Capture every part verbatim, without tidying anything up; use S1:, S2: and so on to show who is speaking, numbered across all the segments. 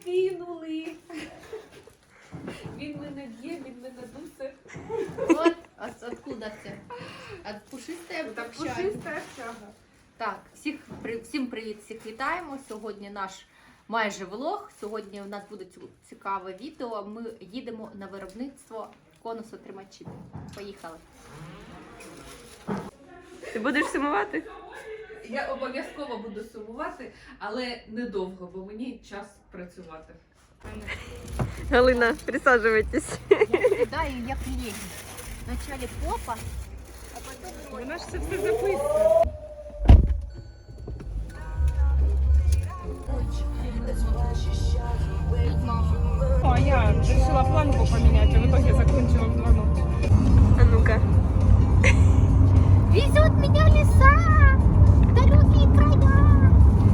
S1: кинули. Він мене б'є, він мене дусе.
S2: От, а з- откуда це? От пушистої
S1: Так
S2: общаги.
S1: пушиста общага.
S2: Так, всіх, при- всім привіт, всіх вітаємо. Сьогодні наш майже влог. Сьогодні у нас буде цю- цікаве відео. Ми їдемо на виробництво конусотримачів. Поїхали.
S3: Ти будеш сумувати?
S1: Я обов'язково буду сумувати, але недовго, бо мені час працювати.
S3: Галина, присаджуйтесь.
S2: Я сідаю як леді. Вначале попа, а потім роль.
S3: Вона ж це все записує.
S4: А я решила планку поменять, а в итоге закончила в два ночи.
S3: А ну-ка.
S2: Везет меня леса, в далекие края.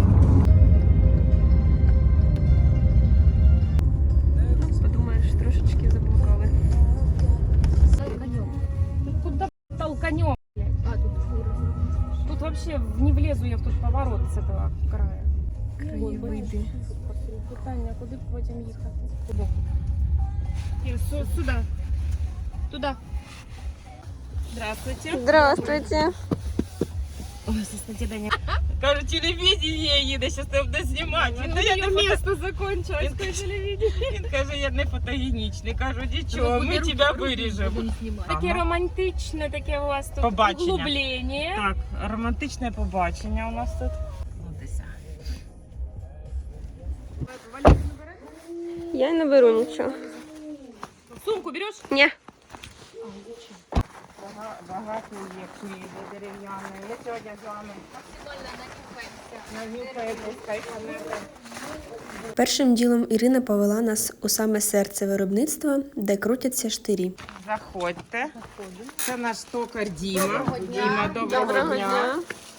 S3: Подумаєш, трошечки заблукали.
S4: Тут куда толканем?
S2: А, тут фура.
S4: Тут вообще не влезу я в тот поворот с этого края.
S3: Краєвиди.
S4: Питання, куди потім їхати? І су- сюди. Туда. Здравствуйте.
S3: Здравствуйте.
S4: Ой, состояние. Кажу, телевидение їде, зараз тебе буде знімати. Він, я не місто закончилось,
S3: Він
S4: каже, телевидение. Він каже, я не фотогенічний. Кажу, нічого, ми тебе виріжемо. Таке
S3: Ага.
S4: романтичне, таке у вас тут
S3: Побачення.
S4: углублення.
S3: Так, романтичне побачення у нас тут. Я не беру нічого.
S4: Сумку береш?
S3: Ні.
S4: Багато є книги дерев'яні. Я сьогодні з вами нанюхаємось, кайфанемо.
S5: Першим ділом Ірина повела нас у саме серце виробництва, де крутяться штирі.
S3: Заходьте. Це наш токар Діма.
S2: Доброго дня.
S3: Діма, доброго,
S5: Доброго
S3: дня.
S5: дня.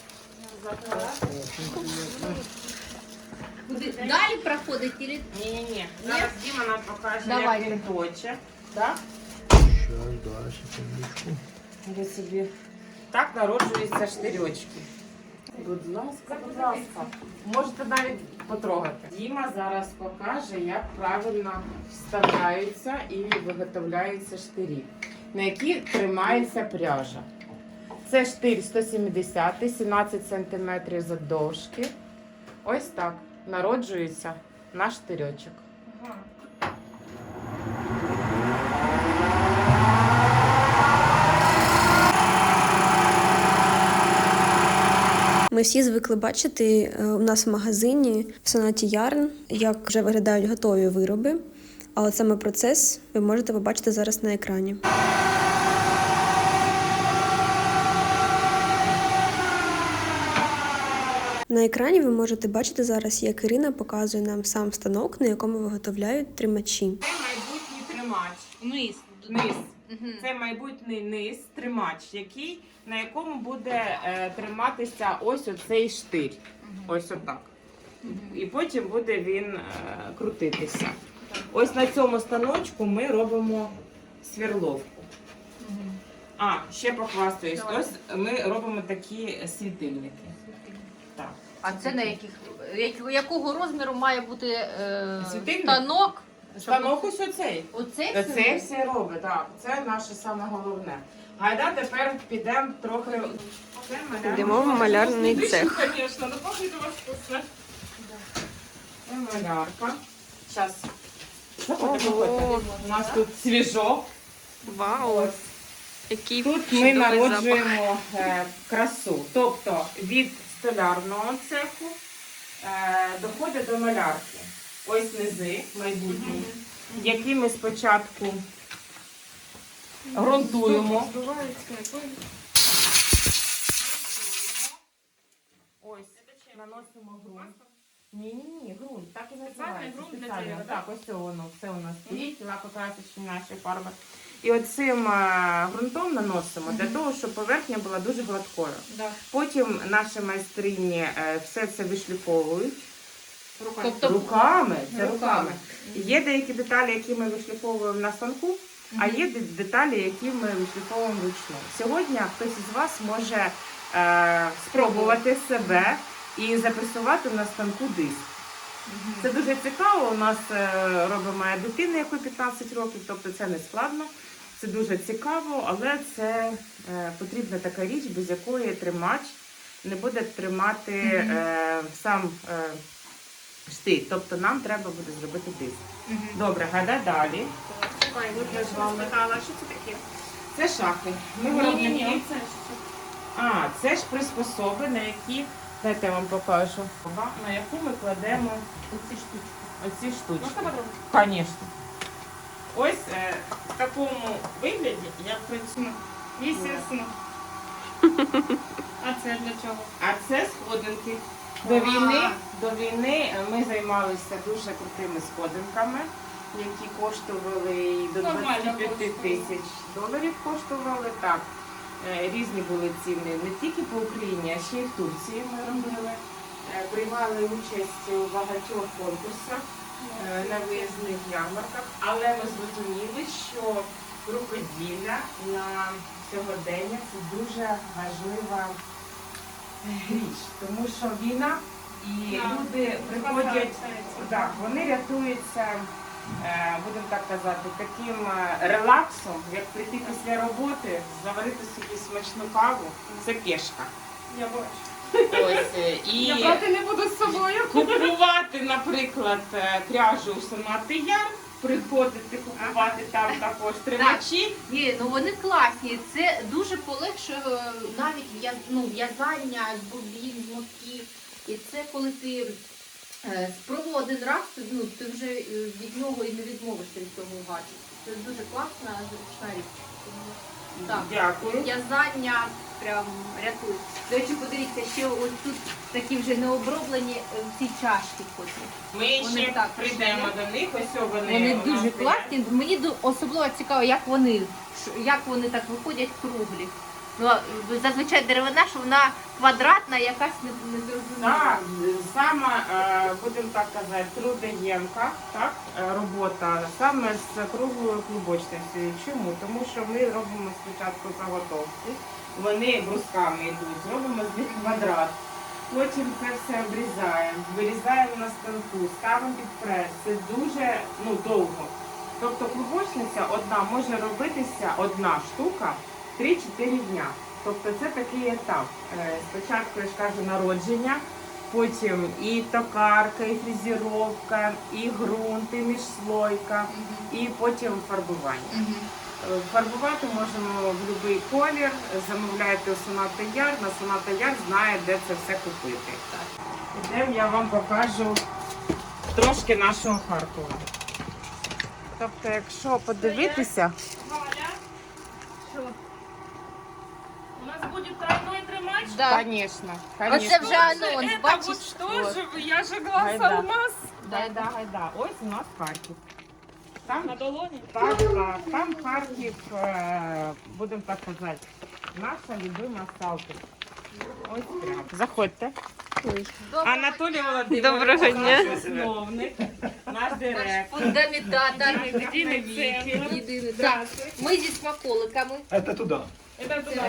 S2: Куди? Далі проходить или...
S3: Ні-ні-ні. Зараз Діма нам покаже,
S2: Давайте.
S3: як він точе. Так?
S6: Сейчас, да, секундочку.
S3: Ви собі. Так народжуються штирьочки. Будь ласка, будь ласка. Можете навіть потрогати. Діма зараз покаже, як правильно вставляються і виготовляються штирі, на які тримається пряжа. Це штир сто сімдесят, сімнадцять сантиметрів завдовжки. Ось так народжується наш штирьочок.
S5: Ми всі звикли бачити е, у нас в магазині в Сонаті Ярн, як вже виглядають готові вироби. А от саме процес ви можете побачити зараз на екрані. На екрані ви можете бачити зараз, як Ірина показує нам сам станок, на якому виготовляють тримачі.
S3: Це майбутній тримач.
S2: Вниз.
S3: Низ.
S2: Мгм.
S3: Це майбутній низ, тримач, який, на якому буде е, триматися ось оцей штир. Ось отак. І потім буде він е, крутитися. Ось на цьому станочку ми робимо сверловку. А, ще похвастаюсь. Ось ми робимо такі світильники. Так.
S2: А це на яких, як- якого розміру має бути е,
S3: Світильник?
S2: станок?
S3: Станок ось оцей.
S2: Оце
S3: Це
S2: все?
S3: все робить, так. Це наше саме головне. Гайда, тепер підемо трохи. Це малярний-
S5: Йдемо в малярний
S3: Вкусний
S5: цех.
S3: диш, Звісно, ну пахне до вас вкусно. Це малярка. Зараз. Заходьте,
S5: Ого.
S3: заходьте. У нас тут свіжо.
S5: Вау! Який
S3: Тут ми народжуємо е, красу. Тобто від столярного цеху е, доходить до малярки. Ось низи майбутні, які ми спочатку ґрунтуємо. Ось, наносимо ґрунт. Ні-ні-ні, ґрунт, так і називається.
S4: ґрунт для
S3: Спеціально.
S4: дерева,
S3: Так, ось це воно, все у нас стоїть, лакокрасочні наші фарби. І оцим е, ґрунтом наносимо для того, щоб поверхня була дуже гладкою.
S2: Да.
S3: Потім наші майстрині е, все це вишліфовують.
S2: Тобто
S3: Руками, це
S2: Руками.
S3: руками. Є деякі деталі, які ми вишліфовуємо на станку, а є де- деталі, які ми вишліфовуємо вручну. Сьогодні хтось із вас може е, спробувати себе і записувати на станку диск. Це дуже цікаво. У нас е, робить моя дитина, якій п'ятнадцять років, тобто це не складно. Це дуже цікаво, але це е, потрібна така річ, без якої тримач не буде тримати е, сам е, штик. Тобто нам треба буде зробити диск. Добре, гайда далі. Тут ми з вами-
S4: Що це таке?
S3: Це шахи. Ми виробники. А, це ж приспособи, на які, дайте я вам покажу, на яку ми кладемо
S2: Оці штучки.
S3: оці штучки.
S4: Можна подробно?
S3: Звісно. Ось е, в такому вигляді я працюю.
S4: Естественно. А це для чого?
S3: А це сходинки. До війни, до війни ми займалися дуже крутими сходинками, які коштували і до
S4: Нормально
S3: двадцяти п'яти тисяч доларів коштували. Так. Е, Різні були ціни не тільки по Україні, а ще й в Турції ми робили. Е, Приймали участь у багатьох конкурсах е, на виїзних ярмарках, але ми зрозуміли, що рукоділля на сьогодення це дуже важлива річ, тому що війна і
S4: Так.
S3: люди приходять, так, вони рятуються, е, будемо так казати, таким е, релаксом, як прийти після роботи, заварити собі смачну каву, це пішка.
S4: Я бачу.
S3: Ось, е, і
S4: Я брати не буду з собою.
S3: купувати, наприклад, е, пряжу у Сонати Яр, приходити купувати там також тримачі.
S2: Ні, ну вони класні. Це дуже полегшує е, навіть в'яз- ну, в'язання з бобін, з мотків. І це коли ти е, спробував один раз, ти, ну, ти вже е, від нього і не відмовишся від цього гаджету. Це дуже класна, зручна річ. Тому, Так,
S3: Дякую.
S2: в'язання прям рятує. До речі, подивіться, ще ось тут такі вже необроблені е, ці чашки потім.
S3: Ми
S2: Вони
S3: ще
S2: так
S3: прийдемо до них, ось вони.
S2: Вони
S3: у нас
S2: дуже
S3: стоять.
S2: класні. Мені ду- особливо цікаво, як вони, ш- як вони так виходять круглі. Ну, а, зазвичай деревина, що вона квадратна, якась не, не зрозуміла.
S3: Так, саме, е, будемо так казати, трудоємка, так, е, робота саме з круглою клубочністю. Чому? Тому що ми робимо спочатку заготовки, вони брусками йдуть, зробимо з них квадрат. Потім це все обрізаємо, вирізаємо на станку, ставимо під прес. Це дуже ну, довго. Тобто клубочниця одна може робитися, одна штука, три-чотири дня. Тобто це такий етап. Е, Спочатку, я ж кажу, народження, потім і токарка, і фрезеровка, і ґрунт, і міжслойка, і потім фарбування. Е, Фарбувати можемо в будь-який колір, замовляєте у Соната Яр, на Соната Яр знає, де це все купити. Ідемо, я вам покажу трошки нашого Харкова. Тобто, якщо подивитися,
S4: Валя. Що? У нас буде тройной тримач.
S2: Да.
S3: звісно,
S2: Оце вже анонс,
S4: Это
S2: бачиш?
S4: вот что же вы, я же глаз
S3: Гайда.
S4: алмаз.
S3: Гайда, гайда. Ось у нас Харків. Там,
S4: На долоні.
S3: так, так, там Харків, е, будемо так казати, наша любима Салтик. Ось прямо. Заходьте. Анатолій Володимирович,
S4: Доброго дня.
S3: наш основник, наш директор.
S2: Фундаментатор.
S3: Єдиний віки.
S2: Єдиний. Так. Ми зі смаколиками.
S6: Это туда.
S4: Это туда.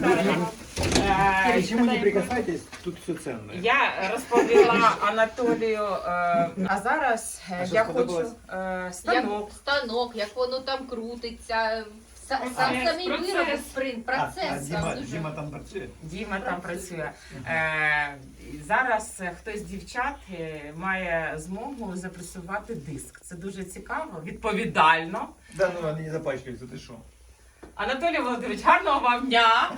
S3: Е,
S6: Почему не прикасайтесь, тут все ценное.
S3: Я розповіла Анатолію, е, а зараз е,
S6: А що
S3: я хочу
S6: сподобалось?
S3: е, станок.
S2: Як станок, як воно там крутиться. Са-
S3: Процес,
S2: Сам самі
S3: процес.
S2: вироби спринт,
S6: А, а
S2: процес.
S6: Дима,
S2: там дуже-
S6: Дима там працює?
S3: Діма там працює. Е, зараз е, хтось з дівчат е, має змогу запресувати диск. Це дуже цікаво, відповідально.
S6: Да, ну вони не запачкаються, ти що?
S3: Анатолій Володимирович, гарного вам дня!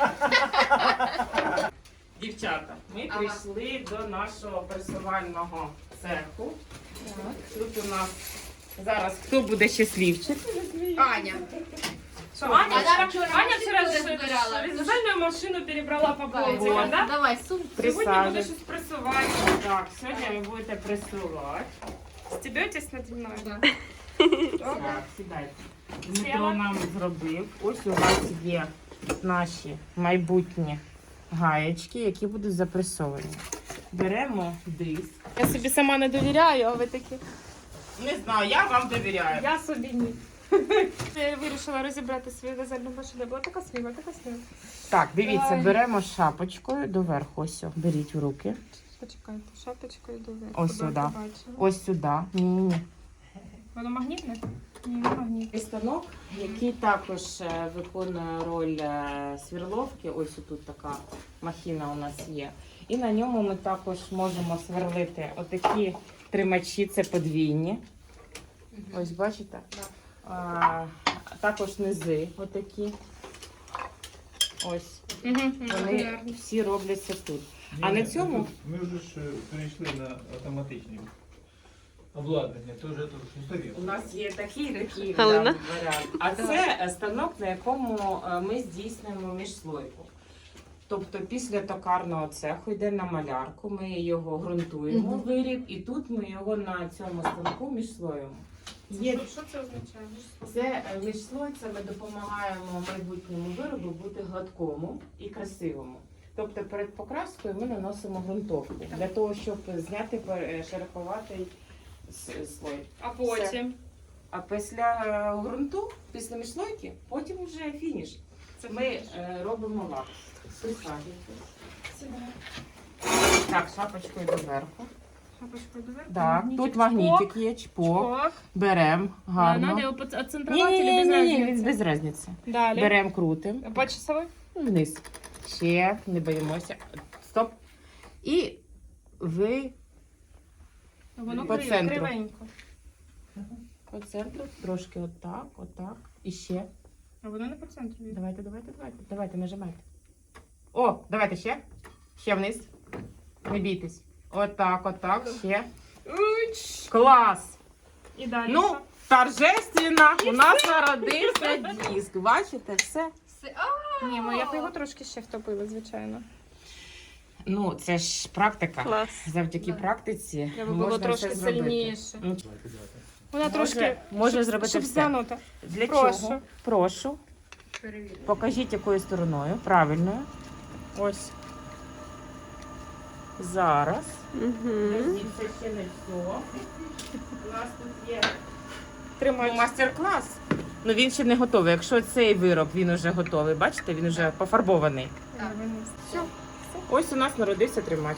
S3: Дівчата, ми
S2: Ага.
S3: прийшли до нашого пресувального цеху. Тут у нас зараз хто буде щасливчик?
S2: Аня.
S3: Що,
S4: Аня,
S2: А Аня вчора
S4: Аня
S2: машинку
S4: вчера
S2: розбирала.
S4: вязальную машину перебрала по
S2: Давай,
S4: полу,
S3: Вот.
S4: да?
S2: Давай, сумку.
S4: Сегодня буду
S3: Присаджуйтесь.
S4: щось прессовать.
S3: Так, сьогодні ви будете пресувати.
S4: Стебетесь надо мной?
S2: Да.
S3: Так, сідайте. Дмитро нам зробив. Ось у вас є наші майбутні гаєчки, які будуть запресовані. Беремо диск.
S4: Я собі сама не довіряю, а ви такі.
S3: Не знаю, я вам довіряю.
S4: Я собі ні. Я вирішила розібрати свою вязальну машину. Була така сміла, така сміла.
S3: Так, дивіться,
S4: Ай.
S3: беремо шапочкою доверху. Ось, о, беріть в руки.
S4: Почекайте, шапочкою доверху.
S3: Ось
S4: Куди
S3: сюди.
S4: ти бачила?
S3: Ось сюди. Ні-ні-ні.
S4: Воно магнітне? Ні, не магнітне.
S3: Станок, який також е, виконує роль е, сверловки. Ось тут така махіна у нас є. І на ньому ми також можемо сверлити отакі тримачі, це подвійні. Ось бачите? А, також низи отакі. Ось. Вони всі робляться тут. А на цьому
S6: Ми вже ж е, перейшли на автоматичні обладнання, то вже тут устаріло.
S3: у нас є такий такий
S2: Галина?
S3: да, варіант. А це е, станок, на якому е, ми здійснюємо міжслойку. Тобто після токарного цеху йде на малярку, ми його ґрунтуємо,
S2: Мгм.
S3: виріб, і тут ми його на цьому станку міжслоїмо. Є
S4: Що це означає?
S3: це е, міжслой, це ми допомагаємо майбутньому виробу бути гладкому і красивому. Тобто перед покраскою ми наносимо ґрунтовку для того, щоб зняти пер- шероховатий с- слой.
S4: А потім?
S3: А після е, ґрунту, після міжслойки, потім вже фініш. Це ми е, робимо лак. Присаджуйтесь. Так, шапочкою доверху.
S4: Шапочкою доверху?
S3: Так,
S4: Магнітик,
S3: тут магнітик є, чпок.
S4: чпок.
S3: Беремо гарно.
S4: Надо його
S3: Ні,
S4: оцентрувати
S3: ні,
S4: чи
S3: ні,
S4: без
S3: ні, ні,
S4: разниці?
S3: без різниці.
S4: Далі.
S3: Беремо, крутимо.
S4: По часовой?
S3: Вниз. Ще, не боїмося. Стоп. І ви
S4: Воно
S3: По
S4: криво,
S3: центру.
S4: кривенько.
S3: по центру, трошки отак, отак. І ще.
S4: А воно не по центру. йде.
S3: Давайте, давайте, давайте. Давайте, нажимайте. О, давайте ще. Ще вниз. Не бійтесь. Отак, отак, ще.
S4: Уч.
S3: Клас!
S4: І далі
S3: Ну,
S4: що?
S3: торжественно у нас народився диск. Бачите, все.
S2: Все.
S4: Ні, ми я б його трошки ще втопила, звичайно.
S3: Ну, це ж практика.
S4: Клас.
S3: Завдяки
S2: Да.
S3: практиці
S4: Треба було
S3: можна
S4: трошки
S3: все зробити.
S4: сильніше.
S3: Ну,
S4: Вона
S3: Може-
S4: трошки
S3: може
S4: щоб-
S3: зробити
S4: щоб
S3: все.
S4: згнута.
S3: Для
S4: Прошу.
S3: чого? Прошу.
S2: Перевірю.
S3: Покажіть, якою стороною. Правильною. Ось. Зараз. Подождіть, це ще не все. У нас тут є
S4: Тримай.
S3: ну, мастер-клас. Ну він ще не готовий. Якщо цей вироб він вже готовий, бачите, він вже пофарбований.
S2: Так.
S3: Все. Ось у нас народився тримач.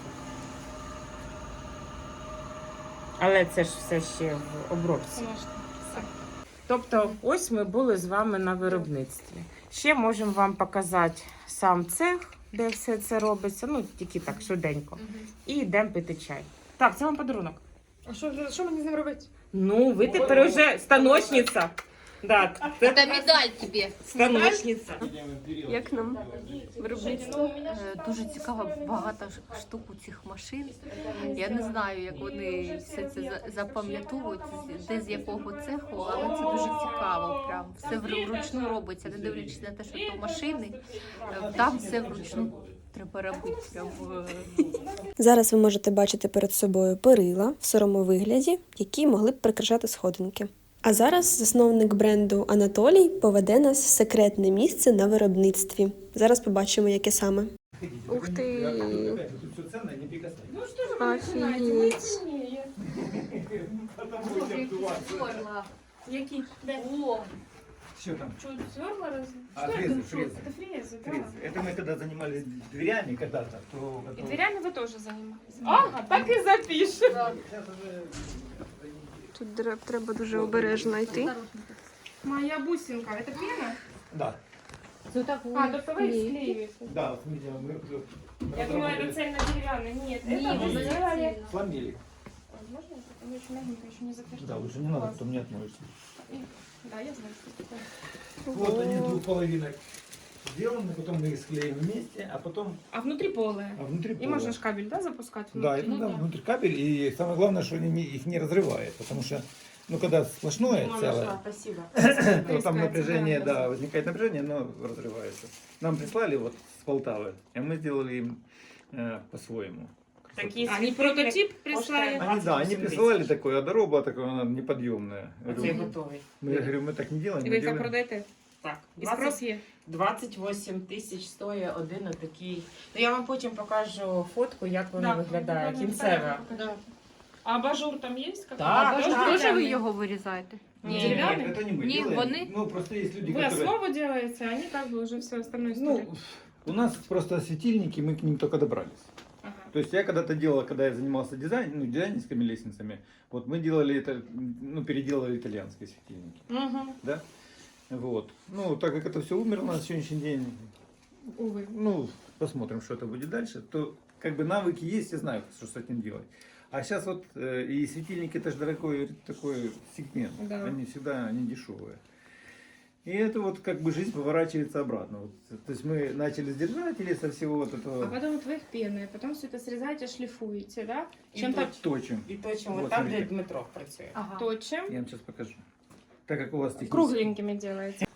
S3: Але це ж все ще в обробці.
S4: Конечно. Все.
S3: Тобто, ось ми були з вами на виробництві. Ще можемо вам показати сам цех, де все це робиться. Ну, тільки так, швиденько. І йдемо пити чай. Так, це вам подарунок.
S4: А що, що мені з ним робити?
S3: Ну, ви тепер вже станочниця. Да, це
S2: Це медаль тобі.
S3: станочниця.
S5: Як нам виробництво?
S2: Е, Дуже цікаво, багато ж- штук у цих машин. Я не знаю, як вони все це за- запам'ятовують, з- де з якого цеху, але це дуже цікаво. Прям все вру- вручну робиться, не дивлячись на те, що то машини, е, там все вручну треба робити. Прям е,
S5: Зараз ви можете бачити перед собою перила в сирому вигляді, які могли б прикрашати сходинки. А зараз засновник бренду Анатолій поведе нас в секретне місце на виробництві. Зараз побачимо, яке саме.
S6: Ух ты! Тут все ценное, не прикасайтесь.
S5: Офігеть.
S4: Які? Де?
S2: О,
S6: Что там?
S4: Чуть зверла раз?
S6: А, фрезы, фрезы.
S4: Це фрези,
S6: Фрезы.
S4: да.
S6: Это мы когда занимались дверями когда-то, то...
S4: І
S6: это-
S4: дверями ви теж займаєтеся. Ага, так і запишемо.
S6: Сейчас уже...
S5: Тут треба дуже обережно йти.
S4: Моя бусинка, это пена?
S6: Да,
S2: це так
S4: А, тобто ви склеюєте.
S6: да, вот видите, мы тут
S4: Я думала, это
S6: разработали,
S4: цельно-деревянный. Нет,
S2: Ні,
S4: это вы
S2: воно
S4: сделали.
S2: не
S6: сломили.
S4: Возможно, оно еще мягенько, еще не затвердело.
S6: Да, лучше не надо,
S4: Класс.
S6: потом не отмоешься.
S4: Да, я знаю, что это такое.
S6: Вот они с двух половинок сделаны, потом мы их склеим вместе, а потом
S4: А внутри полые.
S6: а внутри
S4: И
S6: полые.
S4: можно ж кабель, да, запускать
S6: Да,
S4: внутрь?
S6: и, ну, да, внутрь кабель, и самое главное, что они не- их не разрывает, потому что, ну, когда сплошное
S3: Мама
S6: целое,
S3: нашла, спасибо.
S6: то там
S4: Искать,
S6: напряжение,
S4: да,
S6: да, возникает напряжение, но разрывается. Нам прислали вот с Полтавы, и мы сделали им э, по-своему.
S3: Такие
S4: Они прототип прислали.
S6: Они, да, они присылали такое, а дорога была такое, она неподъемная. Я
S3: Оцей
S6: говорю,
S3: готовий.
S6: мы, я говорю, мы так не делаем,
S4: І
S6: мы
S4: ви їх так
S6: делаем...
S4: продаєте?
S3: Так,
S4: І спрос є?
S3: двадцять вісім тисяч стоїть один отакий. Ну я вам потім покажу фотку, як воно виглядає. Кінцеве.
S4: А абажур там є?
S3: Так,
S2: а
S3: так,
S2: ви ж
S3: так.
S2: теж ви його вирізаєте?
S6: Нет,
S4: Деревянный?
S6: это не мы
S2: Не,
S6: делаем.
S2: вони-
S6: Ну, просто есть люди,
S4: Вы
S6: которые...
S4: основу делаете, а они как бы уже все остальное историю.
S6: Ну, у нас просто светильники, мы к ним только добрались.
S4: Ага.
S6: То есть я когда-то делал, когда я занимался дизайн, ну, дизайнерскими лестницами, вот мы делали это, ну, переделали итальянские светильники,
S4: Угу.
S6: да? Вот. Ну, так как это все умерло на сегодняшний день,
S4: Увы.
S6: ну, посмотрим, что это будет дальше, то как бы навыки есть, я знаю, что с этим делать. А сейчас вот э, и светильники, это же дорогой такой сегмент,
S4: Да.
S6: они всегда не дешевые. И это вот как бы жизнь поворачивается обратно. Вот, то есть мы начали с держателей, со всего вот этого.
S4: А потом вот вы их пены, потом все это срезаете, шлифуете, да?
S3: І
S4: Чем-то
S3: точ-
S6: Точим.
S3: І точимо
S6: Вот,
S3: там, де
S6: смотрите.
S3: Дмитро працює.
S2: Ага.
S4: точим,
S6: Я вам сейчас покажу. Так как у вас технически...
S4: кругленькими делаете.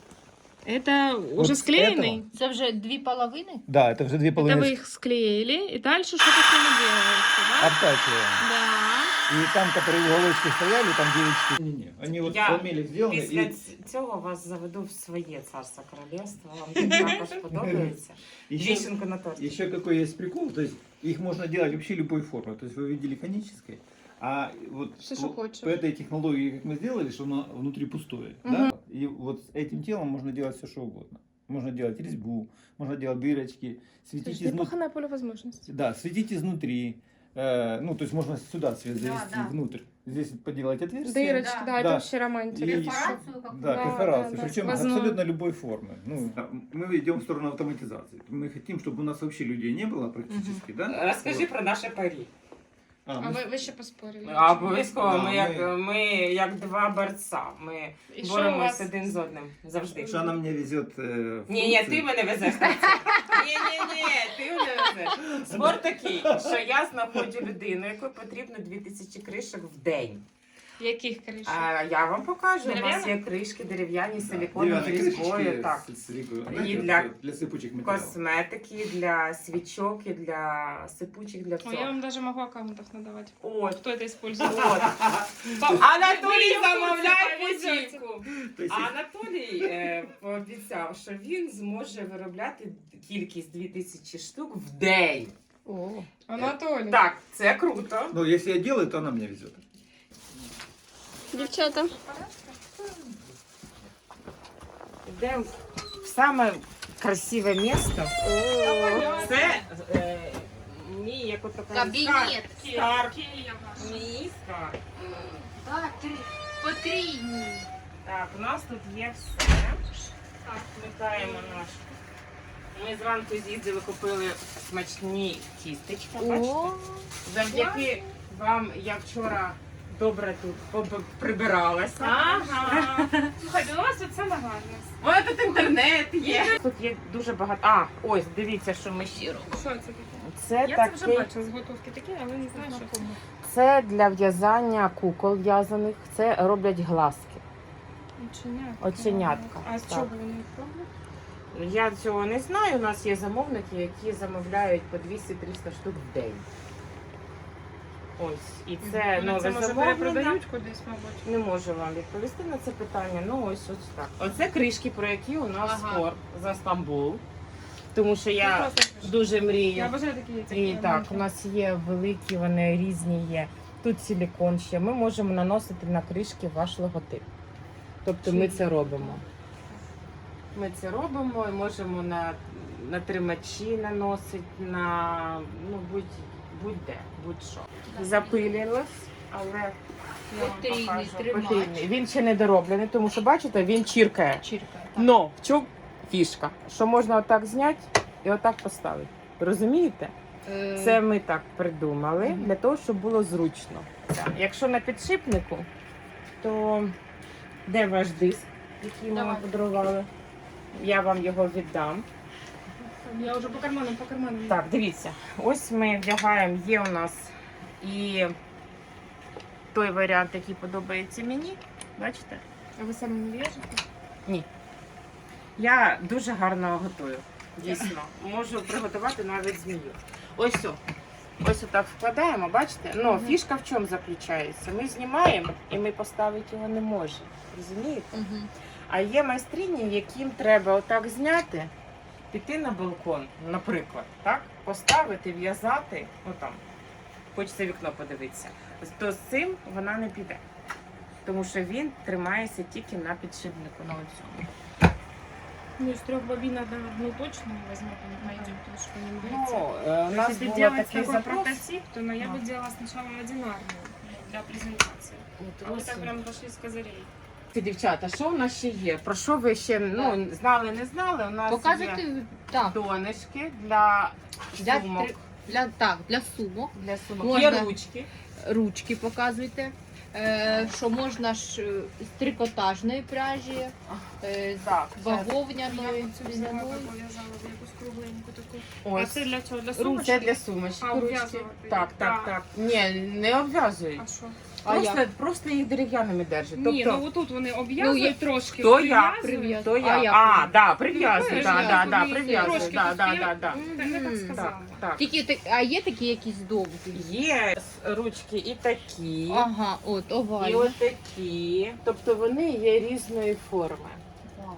S4: Это
S6: Вот
S4: уже
S6: с
S4: склеенный?
S2: Це вже дві половини?
S6: Да, это уже две
S4: Это
S6: половины.
S4: вы их склеили, и дальше что-то с ними делаете, да?
S6: Обтачиваем.
S4: Да.
S6: И там, которые в уголочке стояли, там девять штук. Не-не, они вот
S3: Я
S6: фламелик сделаны.
S3: Після
S6: И
S3: ц- цього вас заведу в своє царство королівство. Вам також подобається.
S6: еще,
S3: Вишенку на торті.
S6: еще какой есть прикол, то есть их можно делать вообще любой формы. То есть вы видели конической, а вот
S4: Все,
S6: по,
S4: что хочешь.
S6: по этой технологии, как мы сделали, что оно внутри пустое,
S4: Мгм.
S6: да? И вот с этим телом можно делать все, что угодно. Можно делать резьбу, можно делать дырочки, светить
S4: Слушай,
S6: изнутри.
S4: неплохая поле возможностей.
S6: Да, светить изнутри. Э, ну, то есть можно сюда свет
S2: Да,
S6: завести
S2: да.
S6: внутрь. Здесь поделать отверстие.
S4: Дырочки, да,
S2: Да.
S4: это
S6: Да.
S4: вообще романтика.
S6: И-
S2: Перфорацію яку?
S6: Да,
S4: Да,
S6: перфорации.
S4: да, да.
S6: Причем
S4: Сквозную.
S6: абсолютно любой формы. Ну, мы идем в сторону автоматизации. Мы хотим, чтобы у нас вообще людей не было практически, да?
S3: Розкажи
S6: Вот.
S3: про наше парі.
S6: А,
S4: А
S6: мы-
S4: ви, ви ще поспорили?
S3: А обов'язково
S6: Да,
S3: ми як,
S6: ми-
S3: ми як два борця. Ми
S4: І що у
S3: боремось
S4: вас?
S3: один з одним завжди.
S6: Что она мне везет э,
S3: Ні, ні, ти
S6: фрукты.
S3: мене везеш. на це. Ні, ні, ні, ти мене везеш. Спор такий, що я знаходжу людину, якої потрібно дві тисячі кришок в день.
S4: Яких кришок?
S3: А я вам покажу. У нас
S4: Дерев'яних?
S3: є кришки дерев'яні,
S6: Да,
S3: силіконові
S6: деревянные
S3: різьбою.
S6: крышечки
S3: Так.
S6: с- с силиконом.
S3: И
S6: Знаете,
S3: для
S6: вот для сыпучих материалов.
S3: Косметики, для свічок, і для сипучих, для
S4: Ой, я
S3: всього.
S4: вам даже могу аккаунтов надавать.
S3: От.
S4: Кто это использует?
S3: От.
S4: Па-
S3: Анатолій
S4: Ви
S3: замовляє
S4: повезете.
S3: путівку.
S6: То есть,
S3: А Анатолій е, пообіцяв, що він зможе виробляти кількість дві тисячі штук в день.
S4: Анатолий.
S3: Так, це круто.
S6: ну, если я делаю, то она мне везет.
S5: Дівчата,
S3: Йдемо в саме красиве місто. Це е, мій, як ото кажуть,
S2: Кабінет.
S3: скарб. Мій скарб.
S2: Так, три. Потрійні.
S3: Так, у нас тут є все. Так, вмикаємо наш. Ми зранку з'їздили, купили смачні тістечка. Бачите? Завдяки вам я вчора добре тут поб- прибиралася.
S4: Ага. Слухайте, у вас тут саме гарне.
S3: У мене тут інтернет є. Тут є дуже багато. А, ось, дивіться, що ми ще робимо.
S4: Що це таке?
S3: Це
S4: Я це вже
S3: такий.
S4: бачила, зготовки такі, але не знаю, що це.
S3: Це для в'язання кукол в'язаних. Це роблять глазки.
S4: Оченятка.
S3: Оченятка,
S4: А з
S3: так.
S4: чого вони їх роблять?
S3: Я цього не знаю. У нас є замовники, які замовляють по двісті-триста штук в день. Ось. І це
S4: Вони
S3: нове
S4: це, може,
S3: замовлення.
S4: перепродають кудись, мабуть.
S3: Не можу вам відповісти на це питання. Ну ось ось так. Оце кришки, про які у нас
S2: Ага.
S3: спор за Стамбул. Тому що
S4: Ну,
S3: я
S4: просто кришки.
S3: дуже
S4: Я
S3: мрію.
S4: бажаю такі яйця.
S3: І так, у нас є великі, вони різні є. Тут силікон ще. Ми можемо наносити на кришки ваш логотип. Тобто ми це робимо. Ми це робимо і можемо на, на тримачі наносити, на ну, будь, будь-де, будь-що. Запилилось, але я вам
S2: Потрійний
S3: покажу.
S2: тримач.
S3: Потрійний. Він ще не дороблений, тому що, бачите, він чіркає.
S2: Чірка.
S3: Но в чому фішка? Що можна отак зняти і отак поставити. Розумієте?
S2: Е,
S3: Це ми так придумали
S2: Мгм.
S3: для того, щоб було зручно. Так. Якщо на підшипнику, то де ваш диск, який ми вам
S2: Давай.
S3: подарували? Я вам його віддам.
S4: Я вже по карманам, по карманам.
S3: Так, дивіться, ось ми вдягаємо, є у нас і той варіант, який подобається мені. Бачите?
S4: А ви самі не в'яжете?
S3: Я дуже гарно готую. Дійсно. Можу приготувати навіть змію. Ось о. Ось отак вкладаємо, бачите? Ну,
S4: Мгм.
S3: фішка в чому заключається? Ми знімаємо і ми поставити його не можемо. Розумієте?
S2: Мгм.
S3: А є майстрині, яким треба отак зняти, піти на балкон, наприклад, так? Поставити, в'язати, ну там, хочеться вікно подивитися. То з цим вона не піде. Тому що він тримається тільки на підшипнику на оцьому.
S4: Ну, из трех бобин одна одну точно не возьму, не пойдет, потому что не
S3: Ну,
S4: нравится.
S3: е, у нас
S4: Если
S3: був
S4: делать
S3: такий
S4: такой
S3: запрос.
S4: прототип, то ну, я бы делала сначала одинарную для презентации.
S3: От
S4: А вы
S3: ось.
S4: так прям пошли с козырей.
S3: Дівчата, що у нас ще є? Про що ви ще ну, знали, не знали? У нас є
S2: Показуйте так,
S3: донышки для
S2: для,
S3: сумок.
S2: три- для, так, для сумок.
S3: Для сумок.
S2: Можна.
S3: Є ручки.
S2: Ручки показуйте. Е, що можна ж е, з трикотажної пряжі, е, з
S3: Так, це-
S4: Я
S2: бавовняної,
S4: вот цю взяла,
S2: льняної.
S4: пов'язала в якусь кругленьку таку. А
S3: Ось.
S4: це для чого? Для
S3: Це
S4: сумочки?
S3: для сумочки.
S4: А,
S3: ручки.
S4: обв'язувати?
S3: Так, так,
S4: Так.
S3: так. Ні, не обв'язують.
S4: А що?
S2: А
S3: Просто,
S2: як?
S3: просто їх дерев'яними держать.
S4: Ні,
S3: тобто,
S4: ну отут вони обв'язують
S2: Ну, я-
S4: трошки,
S3: хто як?
S4: прив'язують.
S3: то
S2: А
S3: я.
S2: як?
S3: А, да, прив'язують,
S4: Ну,
S3: да,
S4: я
S3: да,
S4: ж
S3: да,
S4: розумію,
S3: прив'язують,
S4: трошки
S3: да,
S4: тут
S3: да,
S4: є.
S3: да, да.
S4: Так, я так
S2: Мгм.
S3: Так,
S4: сказала.
S3: так.
S2: Тільки так, а є такі якісь довгі?
S3: Є ручки і такі,
S2: Ага, от
S3: і
S2: овальні.
S3: от такі. Тобто вони є різної форми.
S2: Вау.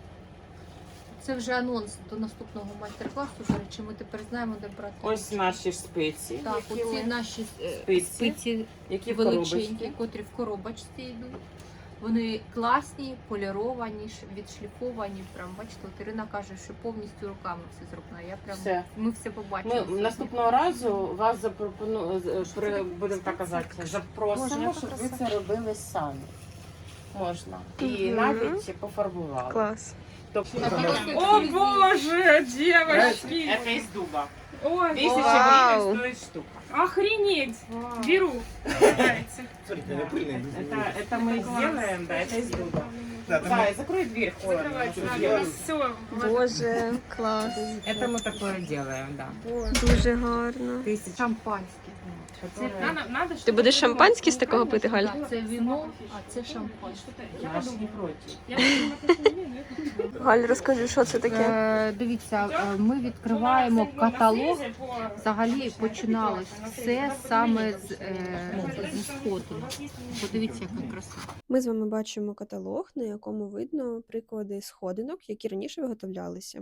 S2: Це вже анонс до наступного майстер-класу. До речі, ми тепер знаємо, де брати.
S3: Ось наші ж спиці,
S2: Так,
S3: які,
S2: оці
S3: ми-
S2: наші е,
S3: Спиці.
S2: спиці
S3: які в
S2: величенькі,
S3: коробочці.
S2: котрі в коробочці йдуть. Вони класні, поліровані, ш- відшліфовані. Прям бачите, от Ірина каже, що повністю руками все зроблено. Я прям
S3: Все.
S2: ми все побачили.
S3: Ми
S2: сьогодні.
S3: наступного разу вас запропону... з- при... будемо так казати,
S4: Боже,
S3: запросимо,
S4: яка
S3: щоб ви
S4: краса.
S3: це робили самі. Можна. І
S5: Мгм.
S3: навіть пофарбували.
S5: Клас.
S3: Тобто,
S2: Так,
S3: це
S4: О боже, девочки!
S3: із дуба.
S4: Ой,
S3: Тисяча
S5: Вау.
S3: гривень стоїть штука.
S4: охренеть! Беру. Нравится.
S6: Смотрите, она пыльная.
S3: Это, это мы сделаем, да, это из дуба.
S6: Да, там
S3: Зая, закрой дверь, холодно.
S4: Закрывайте.
S6: Ну,
S4: Да,
S6: я-
S4: у нас все.
S5: Боже, клас.
S3: Это мы такое делаем, да.
S5: Дуже гарно.
S3: Тысяча.
S2: Шампанське.
S4: Надо, надо,
S5: Ти будеш шампанське з такого пити, Галь?
S2: Так, це віно, а це шампанське.
S4: Я
S3: Я ж
S4: подумала.
S3: не проти.
S4: Я подумала, что не имею, но это-
S5: Галь, розкажи, що це таке?
S2: Е, дивіться, е, ми відкриваємо каталог. Взагалі починалось все саме з, е, зі сходу. Подивіться, яка краса.
S5: Ми з вами бачимо каталог, на якому видно приклади сходинок, які раніше виготовлялися.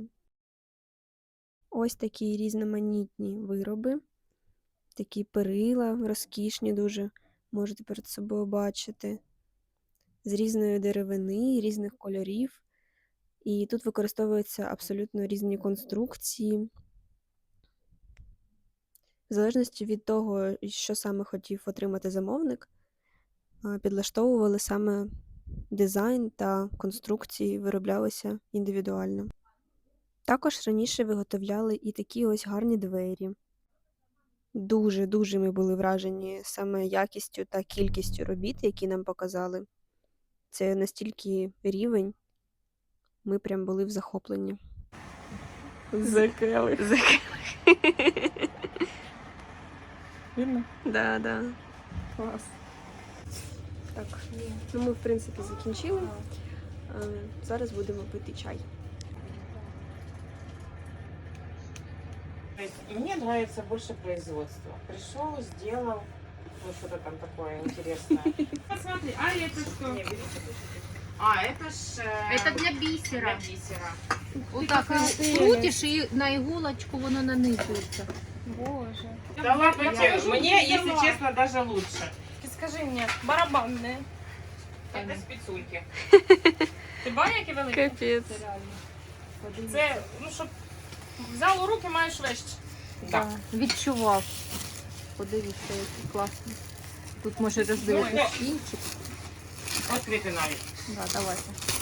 S5: Ось такі різноманітні вироби, такі перила, розкішні дуже, можете перед собою бачити, з різної деревини, різних кольорів. І тут використовуються абсолютно різні конструкції. В залежності від того, що саме хотів отримати замовник, а, підлаштовували саме дизайн та конструкції, вироблялися індивідуально. Також раніше виготовляли і такі ось гарні двері. Дуже-дуже ми були вражені саме якістю та кількістю робіт, які нам показали. Це настільки рівень, ми прям були в захопленні.
S3: Закрили. Видно?
S5: Да, да.
S3: Клас.
S5: Так, ну ми в принципі закінчили. Е, Зараз будемо пити чай.
S3: То есть мне нравится больше производство. Пришел, сделал, ну что-то там такое интересное.
S4: Посмотри, а это что?
S3: Не, берите, берите. А, это ж... э,
S2: Це для
S3: для
S2: бісера.
S3: бисера.
S2: Отак крутиш і на іголочку воно нанизується.
S4: Боже.
S3: Да ладно,
S4: Я
S3: тебе,
S4: покажу,
S3: мне,
S4: где
S3: если
S4: сама.
S3: честно, даже лучше.
S4: Ты скажи мне, барабанные.
S3: Это спецульки.
S4: Ти бачиш, які великі?
S5: Капець.
S4: Це реально. Це, ну, щоб взяв у руки, маєш вещь.
S3: Да.
S2: Відчував. Подивіться, який класний. Тут може роздивитися кінчик.
S3: Открытый навіть.
S2: Да, давайте.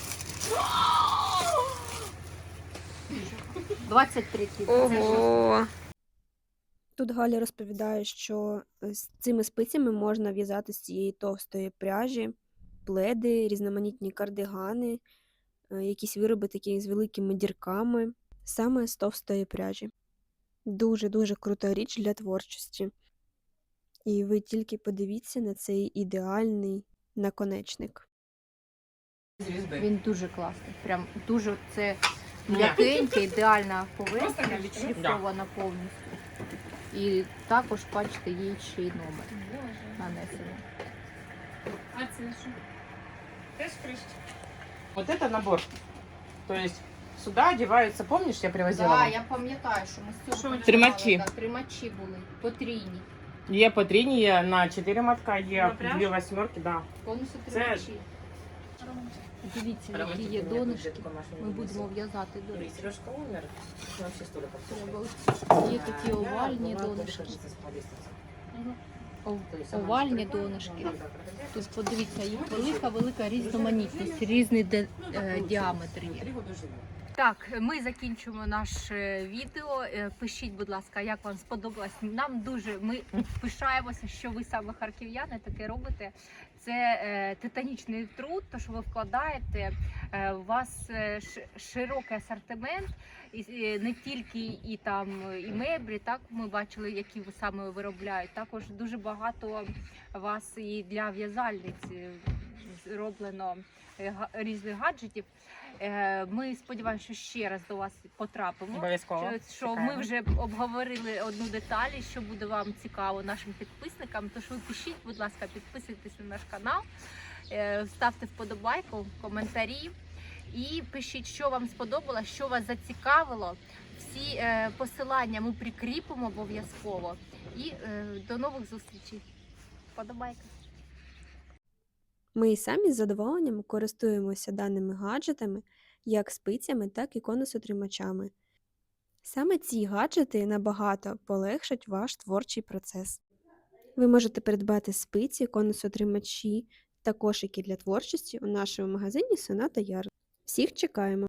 S2: двадцять три кіло.
S5: Ого! Тут Галя розповідає, що з цими спицями можна в'язати з цієї товстої пряжі пледи, різноманітні кардигани, е, якісь вироби такі з великими дірками, саме з товстої пряжі. Дуже-дуже крута річ для творчості. І ви тільки подивіться на цей ідеальний наконечник.
S3: Звезды.
S2: Він дуже класний. Прям дуже це м'якенька, ідеальна
S4: Просто
S2: поверхня,
S4: навіть,
S2: відшліфована повністю. І також, бачите, є ще й номер
S4: Боже.
S2: нанесений.
S4: А це що? Теж кришка.
S3: Вот это набор. То есть сюда одеваются, помнишь, я привозила
S2: Так,
S3: вам?
S2: я пам'ятаю, що ми з цього
S4: Що?
S2: починали,
S3: Тримачі.
S2: так, тримачі були, потрійні,
S3: Є по три, є на чотири матка, є
S4: На пряжу?
S3: дві восьмерки, да.
S2: повністю
S3: Це-
S2: тримачі. Дивіться, які є донышки. Ми будемо в'язати до речі.
S3: Сережка умер, он вообще столько
S2: Треба. Є такі овальні донышки. Ов- Овальні донышки. Тут подивіться, їх велика-велика різноманітність, різний де- е, діаметр є. Так, ми закінчуємо наше відео. Е, Пишіть, будь ласка, як вам сподобалось. Нам дуже ми пишаємося, що ви саме харків'яни таке робите. Це е, титанічний труд, то що ви вкладаєте. Е, у вас е, ш- широкий асортимент, і, і не тільки і там і меблі. Так ми бачили, які ви саме виробляють. Також дуже багато вас і для в'язальниць е, зроблено е, га- різних гаджетів. Е, Ми сподіваємося, що ще раз до вас потрапимо.
S4: Обов'язково.
S2: Що, що ми вже обговорили одну деталь, і що буде вам цікаво нашим підписникам. Тож ви пишіть, будь ласка, підписуйтесь на наш канал, е, ставте вподобайку, коментарі і пишіть, що вам сподобалось, що вас зацікавило. Всі е, посилання ми прикріпимо обов'язково. І е, до нових зустрічей. Вподобайка.
S5: Ми і самі з задоволенням користуємося даними гаджетами, як спицями, так і конусотримачами. Саме ці гаджети набагато полегшать ваш творчий процес. Ви можете придбати спиці, конусотримачі та кошики для творчості у нашому магазині Соната Ярд. Всіх чекаємо!